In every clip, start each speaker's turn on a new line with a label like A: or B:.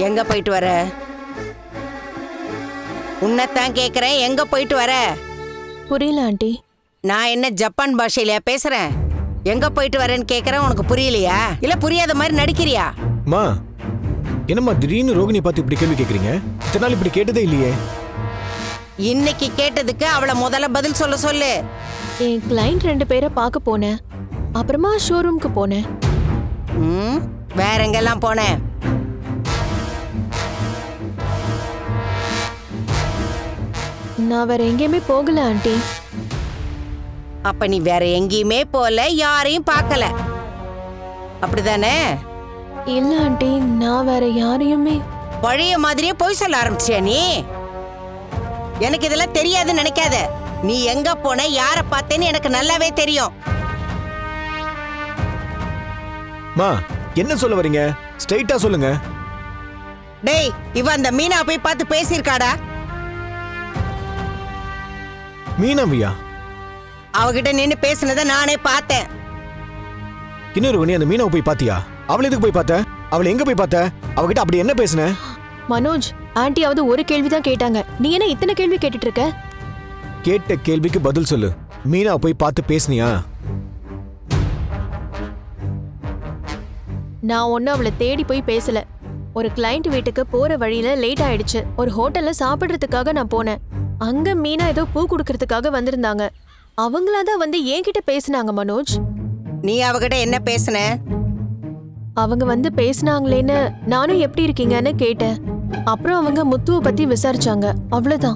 A: எங்க போயிட்டு வர? உன்னைத்தான் கேக்குறேன், எங்க போயிட்டு வர?
B: புரியல ஆண்டி.
A: நான் என்ன ஜப்பான் பாஷையில பேசுறேன்? எங்க போயிட்டு வரேன்னு கேக்குறேன், உனக்கு புரியலையா? இல்ல புரியாத மாதிரி நடிக்கிறியா?
C: மா என்னம்மா திடீர்னு ரோகிணி பார்த்து இப்படி கேள்வி கேக்குறீங்க? இத்தனை நாள் இப்படி கேட்டதே இல்லையே.
A: இன்னைக்கு கேட்டதுக்கு அவளை முதல்ல பதில் சொல்ல சொல்லு.
B: என் கிளைண்ட் 2 பேரை பார்க்க போனேன். அப்புறமா ஷோரூம்க்கு போனேன்.
A: வேற எங்கெல்லாம் போனேன்?
B: நான் வேற எங்கேயுமே போகல ஆண்டி.
A: அப்ப நீ வேற எங்கேயுமே போல, யாரையும் பார்க்கல, அப்படிதானே?
B: இல்ல ஆண்டி, நான் வேற யாரையுமே.
A: பழைய மாதிரியே போய் சொல்ல ஆரம்பிச்சியா நீ? எனக்கு இதெல்லாம் தெரியாதுன்னு நினைக்காத. நீ எங்க போன, யார பார்த்தேன்னு எனக்கு நல்லாவே தெரியும்.
C: மா என்ன சொல்ல வரீங்க? ஸ்ட்ரைட்டா சொல்லுங்க.
A: டேய், இவ அந்த மீனா போய் பார்த்து பேசியிருக்காடா?
C: மீனாவியா?
A: அவகிட்ட நின்னு பேசுனத நானே பார்த்தேன்.
C: இன்னொரு நீ அந்த மீனாவை போய் பாத்தியா? அவளை எதுக்கு போய் பார்த்த? அவளை எங்க போய் பார்த்த? அவகிட்ட அப்படி என்ன பேசுன?
B: மனோஜ், ஆண்டியாவது ஒரு கேள்விதான் கேட்டாங்க. நீ என்ன இத்தனை கேள்வி கேட்டுட்டு இருக்க?
C: கேட்ட கேள்விக்கு பதில் சொல்லு. மீனாவை போய் பார்த்து பேசுனியா?
B: நான் ஒன்னும் அவளை தேடி போய் பேசல. ஒரு கிளைண்ட் வீட்டுக்கு போற வழியில லேட் ஆயிடுச்சு. ஒரு ஹோட்டல்ல சாப்பிடுறதுக்காக நான் போனேன். அங்க மீனா ஏதோ பூ குடுக்கறதுக்காக வந்திருந்தாங்க. அவங்களாதான் வந்து என்கிட்ட பேசினாங்க. மனோஜ்,
A: நீ அவகிட்ட என்ன பேசுன?
B: அவங்க வந்து பேசினாங்களேன்னு நானும் எப்படி இருக்கீங்கன்னு கேட்டேன். அப்புறம் அவங்க முத்துவை பத்தி விசாரிச்சாங்க. அவ்வளவுதான்.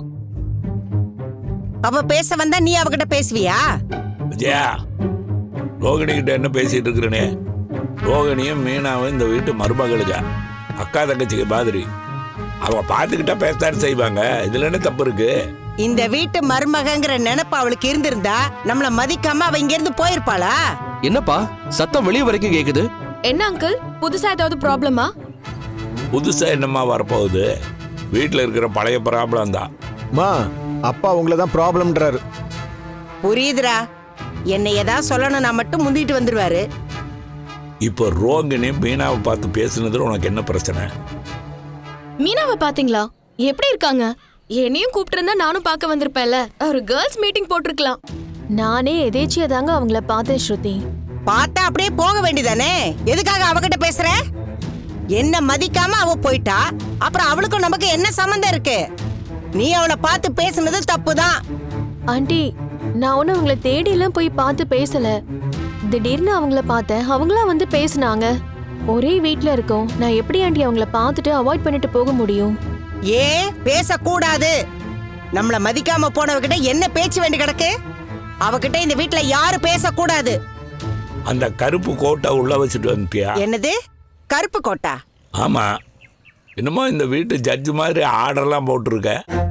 A: அவ பேச வந்தா நீ அவகிட்ட பேசுவியா?
D: விஜயா, ரோகிணி கிட்ட என்ன பேசிட்டு இருக்கிறனே? ரோகிணியும் மீனாவும் இந்த வீட்டு மருமகளுக்கா, அக்கா தங்கச்சிக்கு மாதிரி. அவங்க பார்த்துக்கிட்டா பேசத்தான் செய்வாங்க. இதுல என்ன தப்பு இருக்கு?
A: இந்த வீட்டு மருமகங்கிற நினைப்பு அவளுக்கு இருந்திருந்தா நம்மள மதிக்காம அவ இங்க இருந்து போயிருப்பாளா?
E: என்னப்பா சத்தம் வெளிய வரைக்கும் கேக்குது?
F: என்ன அங்கிள், புதுசா ஏதாவது ப்ராப்ளமா?
D: புதுசா என்னம்மா வரப்போகுது? வீட்டுல இருக்கிற பழைய ப்ராப்ளம் தான்.
C: மா அப்பா உங்களை தான் ப்ராப்ளம்ன்றாரு.
A: புரியுதுடா. என்னை ஏதாவது சொல்லணும்னா மட்டும் முந்திட்டு வந்துருவாரு.
D: இப்போ ரோகிணி மீனாவை பார்த்து பேசுனதுல உனக்கு என்ன பிரச்சனை?
F: மீனாவை பாத்தீங்களா? எப்படி இருக்காங்க? என்னையும் கூப்பிட்டு இருந்தா நானும் பார்க்க வந்திருப்பேன்ல. ஒரு கேர்ள்ஸ் மீட்டிங் போட்டிருக்கலாம்.
B: நானே எதேச்சியா தாங்க அவங்கள பார்த்தேன். ஸ்ருதி,
A: பார்த்தா அப்படியே போக வேண்டியதானே? எதுக்காக அவகிட்ட பேசுற? என்ன மதிக்காம அவ போயிட்டா, அப்புறம் அவளுக்கும் நமக்கு என்ன சம்பந்தம் இருக்கு? நீ அவளை பார்த்து பேசுனது தப்புதான்.
B: ஆண்டி, நான் ஒன்னும் அவங்கள தேடி எல்லாம் போய் பார்த்து பேசல. திடீர்னு அவங்கள பார்த்தேன். அவங்களா வந்து பேசினாங்க. ஒரே வீட்ல இருக்கோம். நான் எப்படி ஆண்டி அவங்கள பார்த்துட்டு அவாய்ட் பண்ணிட்டு போக முடியும்?
A: ஏன் பேசக்கூடாது? நம்மள மதிக்காம போனவகிட்ட என்ன பேச்சு வேண்டி கிடக்கு? அவகிட்ட இந்த வீட்டுல யாரு பேசக்கூடாது.
D: அந்த கருப்பு கோட்டை உள்ள வச்சுட்டு வந்துட்டியா?
A: என்னது கருப்பு கோட்டா?
D: ஆமா, என்னமோ இந்த வீட்டு ஜட்ஜு மாதிரி ஆர்டர்லாம் போட்டிருக்க.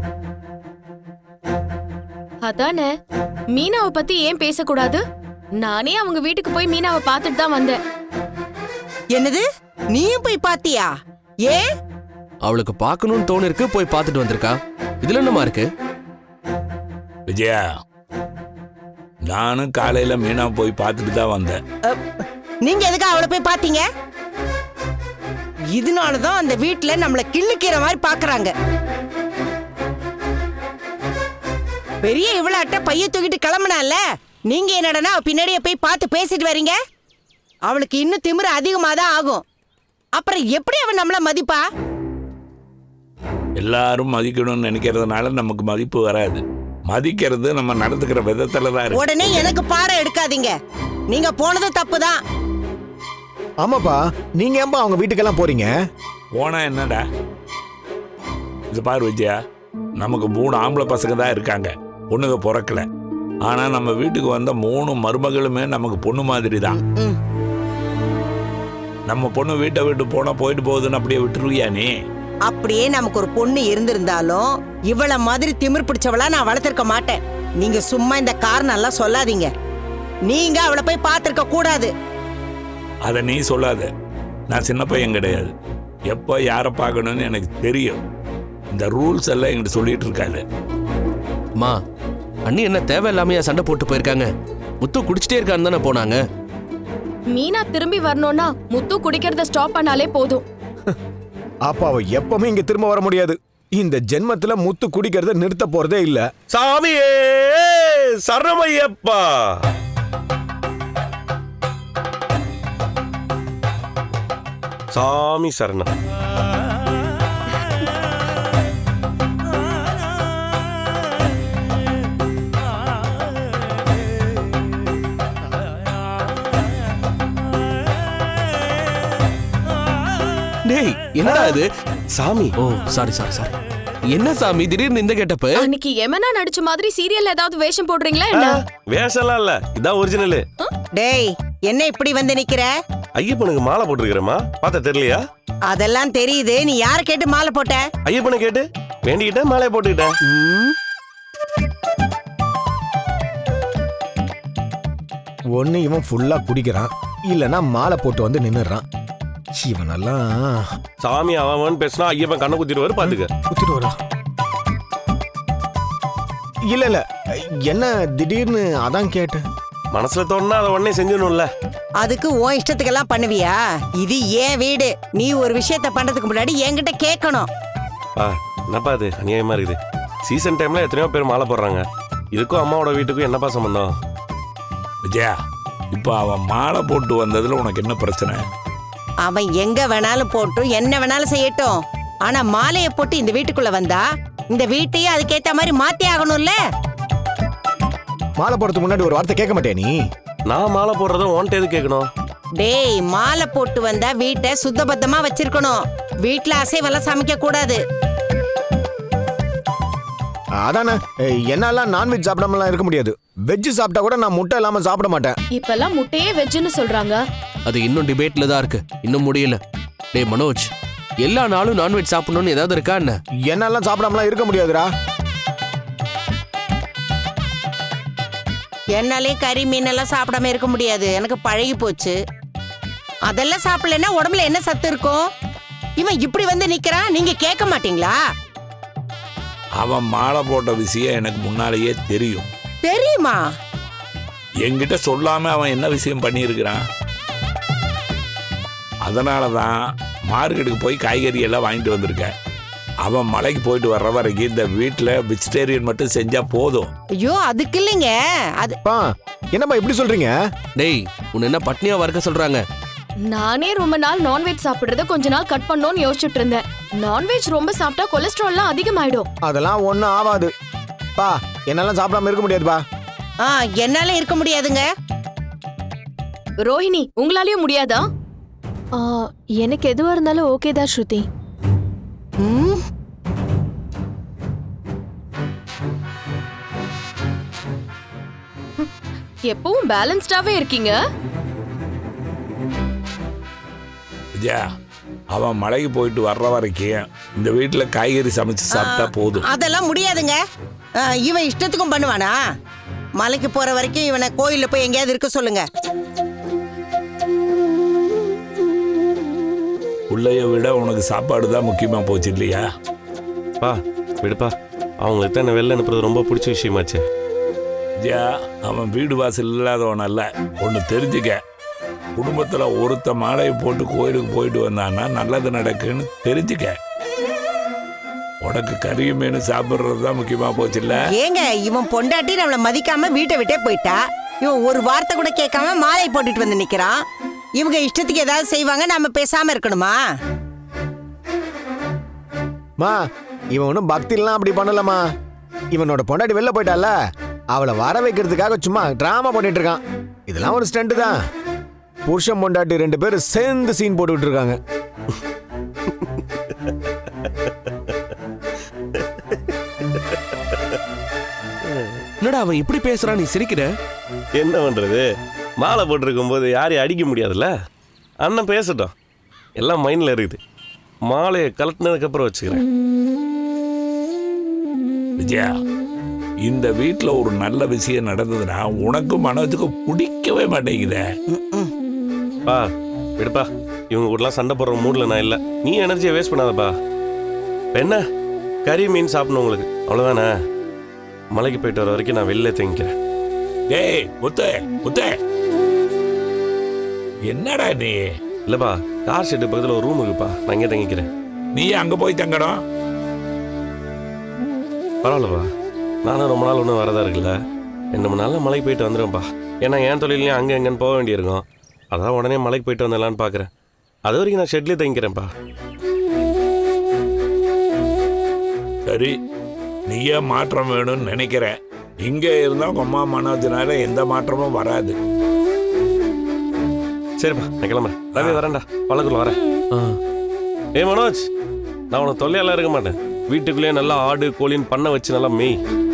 F: அதானே, மீனாவை பத்தி ஏன் பேசக்கூடாது? நானே அவங்க வீட்டுக்கு போய் மீனாவை பார்த்துட்டு தான் வந்தேன்.
A: என்னது, நீயும் போய் பாத்தியா? ஏன்?
E: அவளுக்கு பார்க்கணும்னு தோணு இருக்கு, போய் பார்த்துட்டு வந்திருக்கா. இதுல என்னமா இருக்கு?
D: விஜயா, நானும் காலையில மீனா போய் பார்த்துட்டு தான் வந்தேன்.
A: நீங்க எதுக்கு அவளை போய் பாத்தீங்க? இதனாலதான் அந்த வீட்டுல நம்மள கிள்ளுக்கிற மாதிரி பாக்குறாங்க. பெரிய இவ்வளவு பைய தூக்கிட்டு கிளம்புனால, நீங்க என்னடனா பின்னாடியே போய் பார்த்து பேசிட்டு வரீங்க. அவளுக்கு இன்னும் திமிரு அதிகமாதான் ஆகும். அப்புறம் எப்படி அவன் நம்மள மதிப்பா?
D: எல்லாரும் மதிக்கணும்னு நினைக்கிறதுனால நமக்கு மதிப்பு வராது. மதிக்கிறது நம்ம நடந்துக்கிற விதத்துல தான் இருக்கு.
A: உடனே எனக்கு பாடம் எடுக்காதீங்க. நீங்க போனது தப்புதான்.
C: ஆமாப்பா, நீங்க ஏன்பா அவங்க வீட்டுக்கெல்லாம் போறீங்க?
D: போனா என்னடா? இது பாரு விஜயா, நமக்கு 3 ஆம்பளை பசங்க தான் இருக்காங்க, பொண்ணுங்க பிறக்கல. ஆனா நம்ம வீட்டுக்கு வந்த 3 மருமகளுமே நமக்கு பொண்ணு மாதிரி தான். நம்ம பொண்ணு வீட்டை விட்டு போனா போயிட்டு போகுதுன்னு அப்படியே விட்டுருவியா நீ?
A: அப்படியே நமக்கு ஒரு பொண்ணு இருந்திருந்தாலும் இவள மாதிரி திமிர் பிடிச்சவளா நான் வளர்த்திருக்க மாட்டேன். நீங்க சும்மா இந்த காரணம் எல்லாம் சொல்லாதீங்க. நீங்க அவளை போய் பார்த்திருக்க கூடாது.
D: அத நீ சொல்லாத. நான் சின்ன பையன் கிடையாது. எப்ப யாரை பார்க்கணும்னு எனக்கு தெரியும். இந்த ரூல்ஸ் எல்லாம் என்கிட்ட சொல்லிட்டு இருக்காது.
E: மா, அண்ணி என்ன தேவையில்லாமையா சண்டை போட்டு போயிருக்காங்க? முத்து குடிச்சிட்டே இருக்கான்னு தானே போனாங்க.
F: மீனா திரும்பி வரணும்னா முத்து குடிக்கிறத ஸ்டாப் பண்ணாலே போதும்.
C: அப்ப அவ எப்பவுமே இங்க திரும்ப வர முடியாது. இந்த ஜென்மத்துல முத்து குடிக்கிறத நிறுத்த போறதே இல்ல.
G: சாமியே சரணமையப்பா. சாமி சரணம்.
E: டேய் என்னடா இது?
G: சாமி
E: ஓ சாரி. என்ன சாமி திடீர்னு இந்த கெட்டப்பு?
F: அன்னைக்கு எமனா நடிச்ச மாதிரி சீரியல்ல ஏதாவது வேஷம் போடுறீங்களா என்ன?
G: வேஷம்லாம் இல்ல, இதான் ஒரிஜினல்.
A: டேய் என்ன இப்படி வந்து நிக்கிற?
G: ஐயப்பனுக்கு மாலை போட்டிருக்கிறேம்மா, பார்த்தா தெரியலையா?
A: அதெல்லாம் தெரியுது. நீ யார கேட்டு மாலை போட்ட?
G: ஐயப்பனை கேட்டு வேண்டிக்கிட்டேன், மாலையை போட்டுக்கிட்டேன்.
C: ஒண்ணு இவன் ஃபுல்லா குடிக்கிறான், இல்லனா மாலை போட்டு வந்து நின்னுறான். இவனெல்லாம்
G: சாமி அவன் பேசினா ஐயப்பன் கண்ணை குத்திடுவாரு, பாத்துக்க.
C: குத்திட்டு வரா. இல்ல என்ன திடீர்னு அதான் கேட்டேன்.
G: மனசுல தோணுனா அதை உடனே செஞ்சிடணும்ல.
A: அதுக்கு உன் இஷ்டத்துக்கெல்லாம் பண்ணுவியா? இது ஏன் வீடு. நீ ஒரு விஷயத்த பண்றதுக்கு முன்னாடி என்கிட்ட கேட்கணும்.
G: என்னப்பா இது அநியாயமா இருக்குது. சீசன் டைம்ல எத்தனையோ பேர் மாலை போடுறாங்க. இதுக்கும் அம்மாவோட வீட்டுக்கும் என்னப்பா சம்பந்தம்?
D: விஜயா, இப்போ அவன் மாலை போட்டு வந்ததுல உனக்கு என்ன பிரச்சனை?
A: அவன் எங்க வேணாலும் போட்டும் என்ன வேணாலும் செய்யட்டும். ஆனா மாலையை போட்டு இந்த வீட்டுக்குள்ள வந்தா இந்த வீட்டையே அதுக்கேத்த மாதிரி மாத்தி ஆகணும்ல.
C: மாலை போடுறதுக்கு முன்னாடி ஒரு வார்த்தை கேட்க மாட்டே நீ?
G: நான் மாலை போடுறத உன்கிட்ட எது கேட்கணும்?
A: டேய் மாலை போட்டு வந்தா வீட்டை சுத்தபத்தமா வச்சிருக்கணும். வீட்டுல அசைவெல்லாம் சமைக்க கூடாது.
C: அதானே, என்னாலாம் நான்வெஜ் சாப்பிடாமலாம் இருக்க முடியாது. வெஜ் சாப்பிட்டா கூட நான் முட்டை இல்லாம சாப்பிட மாட்டேன்.
F: இப்பெல்லாம் முட்டையே வெஜ்ஜுன்னு சொல்றாங்க.
E: அது இன்னும் டிபேட்ல தான் இருக்கு, இன்னும் முடியல. டேய் மனோஜ், எல்லா நாளும் நான்வெஜ் சாப்பிடணும்னு ஏதாவது இருக்கா என்ன?
C: என்னாலாம் சாப்பிடாமலாம் இருக்க முடியாதுடா.
A: என்னாலே கறி மீன் எல்லாம் சாப்பிடாம இருக்க முடியாது. எனக்கு பழகி போச்சு. அதெல்லாம் சாப்பிடலன்னா உடம்புல என்ன சத்து இருக்கும்? இவன் இப்படி வந்து நிக்கிறான், நீங்க கேட்க மாட்டீங்களா?
D: அவன் மாலை போட்ட விஷயம் எனக்கு முன்னாலேயே தெரியும்.
A: தெரியுமா?
D: என்கிட்ட சொல்லாம அவன் என்ன விஷயம் பண்ணியிருக்கிறான். அதனாலதான் மார்க்கெட்டுக்கு போய் காய்கறி எல்லாம் வாங்கிட்டு வந்திருக்கேன். அவன் மலைக்கு போயிட்டு வர்ற வரைக்கும் இந்த வீட்டில் வெஜிடேரியன் மட்டும் செஞ்சா போதும்.
A: ஐயோ அதுக்கு இல்லைங்க. அது
C: பா என்னப்பா இப்படி சொல்றீங்க?
E: டேய் உன்னை என்ன பட்னியா வறுக்க சொல்றாங்க?
F: நானே ரொம்ப நாள் நான்வெஜ் சாப்பிடுறத கொஞ்ச நாள் கட் பண்ணணும்னு யோசிச்சுட்டு இருந்தேன். நான்வெஜ் ரொம்ப சாப்பிட்டா கொலஸ்ட்ரால்லாம் அதிகமாயிடும்.
C: அதெல்லாம் ஒண்ணும் ஆகாது பா. என்னாலாம் சாப்பிடாம இருக்க முடியாதுப்பா.
A: என்னால இருக்க முடியாதுங்க.
F: ரோஹிணி உங்களாலயும் முடியாதா?
B: ஆ, எனக்கு எதுவா இருந்தாலும் ஓகே தான் ஸ்ருதி.
A: ம்,
F: எப்பவும் பேலன்ஸ்டாவே இருக்கீங்க.
D: விஜயா, அவன் மலைக்கு போயிட்டு வர்ற வரைக்கும் இந்த வீட்டில் காய்கறி சமைச்சு சாப்பிட்டா போதும்.
A: அதெல்லாம் முடியாதுங்க. இவன் இஷ்டத்துக்கும் பண்ணுவானா? மலைக்கு போற வரைக்கும் இவனை கோயில்ல போய் எங்கேயாவது இருக்க சொல்லுங்க.
D: உள்ளைய விட உனக்கு சாப்பாடு தான் முக்கியமா போச்சு இல்லையா?
G: பா விடுப்பா, அவங்களுக்கு தான் என்ன வெளில அனுப்புறது ரொம்ப பிடிச்ச விஷயமாச்சு.
D: விஜயா, அவன் வீடு வாசல் இல்லாதவன் அல்ல. ஒன்று தெரிஞ்சுக்க, குடும்பத்தில் ஒருத்த மாலையை போட்டு கோயிலுக்கு போயிட்டு வந்தான்னா நல்லது நடக்குன்னு தெரிஞ்சுக்க. உனக்கு கறி மீன் சாப்பிட்றது தான் முக்கியமா போச்சு இல்ல?
A: ஏங்க இவன் பொண்டாட்டி நம்மளை மதிக்காம வீட்டை விட்டே போயிட்டா. இவன் ஒரு வார்த்தை கூட கேட்காம மாலை போட்டுட்டு வந்து நிக்கிறான். இவங்க இஷ்டத்துக்கு ஏதாவது செய்வாங்க, நாம பேசாம இருக்கணுமா?
C: மா இவன் ஒன்றும் பக்திலாம் அப்படி பண்ணலமா. இவனோட பொண்டாட்டி வெளில போயிட்டால, அவளை வர வைக்கிறதுக்காக சும்மா டிராமா பண்ணிட்டு இருக்கான். இதெல்லாம் ஒரு ஸ்டண்ட் தான். புருஷன் பொண்டாட்டி 2 பேரும் சேர்ந்து சீன் போட்டுக்கிட்டு இருக்காங்க.
E: என்னடா அவன் இப்படி பேசுறான், நீ சிரிக்கிற?
G: என்ன பண்றது, மாலை போட்டிருக்கும் போது யாரையும் அடிக்க முடியாதுல்ல. அண்ணன் பேசட்டும், எல்லாம் மைண்ட்ல இருக்குது. மாலையை கலட்டினதுக்கு அப்புறம் வச்சுக்கிறேன்.
D: விஜயா, இந்த வீட்டில் ஒரு நல்ல விஷயம் நடந்ததுன்னா உனக்கும் மனோஜுக்கும் பிடிக்கவே மாட்டேங்குதே.
G: பா விடுப்பா, இவங்க கூடலாம் சண்டை போடுற மூடில் நான் இல்லை. நீ எனர்ஜியை வேஸ்ட் பண்ணாதப்பா. என்ன கறி மீன் சாப்பிடணும் உங்களுக்கு, அவ்வளோதானே? மலைக்கு போயிட்டு வர வரைக்கும் நான் வெளில தங்கிக்கிறேன்.
D: டேய் முத்தே முத்தே, என்னடா நீ?
G: இல்லைப்பா, கார் ஷெட்டு பக்கத்தில் ஒரு ரூம் இருக்குப்பா, நான் இங்கே தங்கிக்கிறேன்.
D: நீ அங்க போய் தங்கணும்.
G: பரவாயில்லப்பா, நானும் ரொம்ப நாள் ஒன்றும் வரதா இருக்குல்ல. 2-3 நாளில் மலைக்கு போயிட்டு வந்துடுவேன்ப்பா. ஏன்னா என் தொழிலையும் அங்கே எங்கேன்னு போக வேண்டியிருக்கும். அதான் உடனே மலைக்கு போயிட்டு வந்துடலான்னு பார்க்குறேன். அது வரைக்கும் நான் ஷெட்லேயே தங்கிக்கிறேன்ப்பா.
D: சரி, நீயே மாற்றம் வேணும்னு நினைக்கிறேன். இங்கே இருந்தால் உங்க அம்மா மனோஜனால எந்த மாற்றமும் வராது.
G: சரிப்பா, நான் கிளம்புறேன். ரவி வரேன்டா, பழக்குள்ள வரேன்.
E: ஆ.
G: ஏய் மனோஜ், நான் உனக்கு தொல்லையெல்லாம் இருக்க மாட்டேன். வீட்டுக்குள்ளேயே நல்லா ஆடு கோழின்னு பண்ண வச்சு நல்லா மேய்.